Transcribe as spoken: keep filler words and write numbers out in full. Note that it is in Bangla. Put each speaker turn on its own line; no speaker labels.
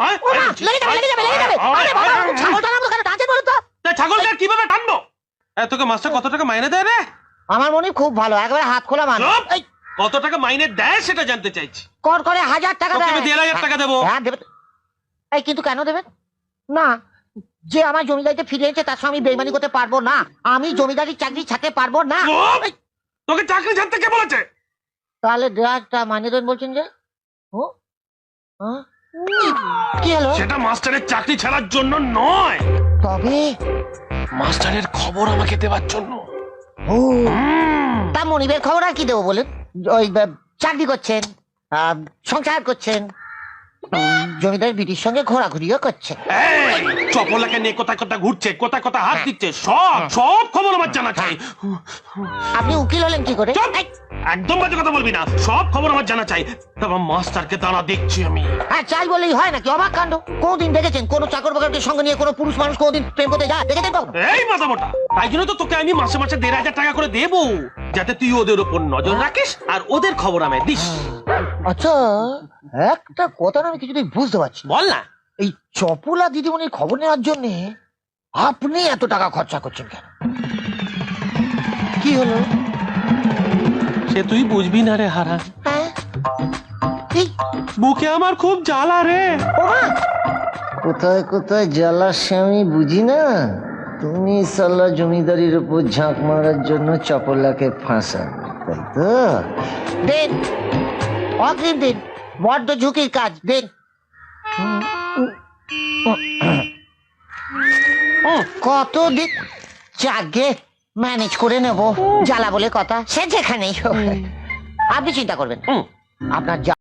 ছাগলকে কিভাবে টানবো? তোকে মাস্টার কত টাকা মাইনে দেয় রে?
আমার মনে খুব ভালো, একেবারে হাত খোলা মানুষ।
কত টাকা মাইনে দেয় সেটা জানতে চাইছি।
কর করে হাজার টাকা দেয়।
দেড় হাজার টাকা দেবো।
হ্যাঁ দেবে। এই কিন্তু কেন দেবেন না? যে আমার জমিদারিতে ফিরে এসেছে তার সঙ্গে আমি বেইমানি করতে পারবো না। আমি জমিদারির চাকরি ছাড়তে পারবো না।
তোকে চাকরি ছাড়তে কে বলেছে?
তাহলে দেড়টা মাইনে দেন বলছেন যে? ও কি হলো?
সেটা মাস্টারের চাকরি ছাড়ার জন্য নয়,
তবে
মাস্টারের খবর আমাকে দেওয়ার জন্য।
ও তা মনিবের খবর আর কি দেবো বলেন? ওই চাকরি করছেন, সংসার করছেন, জমিদার বিটির সঙ্গে ঘোরাঘুরিও করছে।
চপলাকে নিয়ে কোথায় কোথায় ঘুরছে, কোথায় কোথায় হাত দিচ্ছে, সব সব খবর আমার জানা চাই।
আপনি উকিল হলেন কি করে?
একদম বাজে কথা বলবি না, সব খবর আমার জানা চাই। তারপর মাস্টারকে দাঁড়া দেখছি আমি।
হ্যাঁ চাই বলেই হয় নাকি? অবাক কাণ্ড। কোনদিন দেখেছেন কোন চাকর বাকরকে সঙ্গে নিয়ে কোন পুরুষ মানুষ কোনদিন প্রেম করতে যায়? দেখেছেন কখন?
এই মাথা মোটা, তাই জন্য তো তোকে আমি মাসে মাসে দেড় হাজার টাকা করে দেবো, যাতে তুই ওদের উপর নজর রাখিস আর ওদের খবর আমায় দিস।
আচ্ছা একটা কথা আমি কিছুতেই বুঝতে পারছি।
বল না।
এই চপলা দিদিমণির খবর নেওয়ার জন্য আপনি এত টাকা খরচা করছেন কেন? কি হলো?
সে তুই বুঝবি না রে হারা। বুকে আমার খুব জ্বালা রে।
কোথায় কোথায় জ্বালা সে আমি বুঝি না। তুমি সাল্লা জমিদারির উপর ঝাঁক মারার জন্য চপলাকে ফাঁসান, তাই তো? দেন অগ্রিম দিন, বড্ড ঝুঁকির কাজ। দেন। কত দিন যাকে ম্যানেজ করে নেব, জ্বালা বলে কথা, সে যেখানেই হোক। আপনি চিন্তা করবেন, আপনার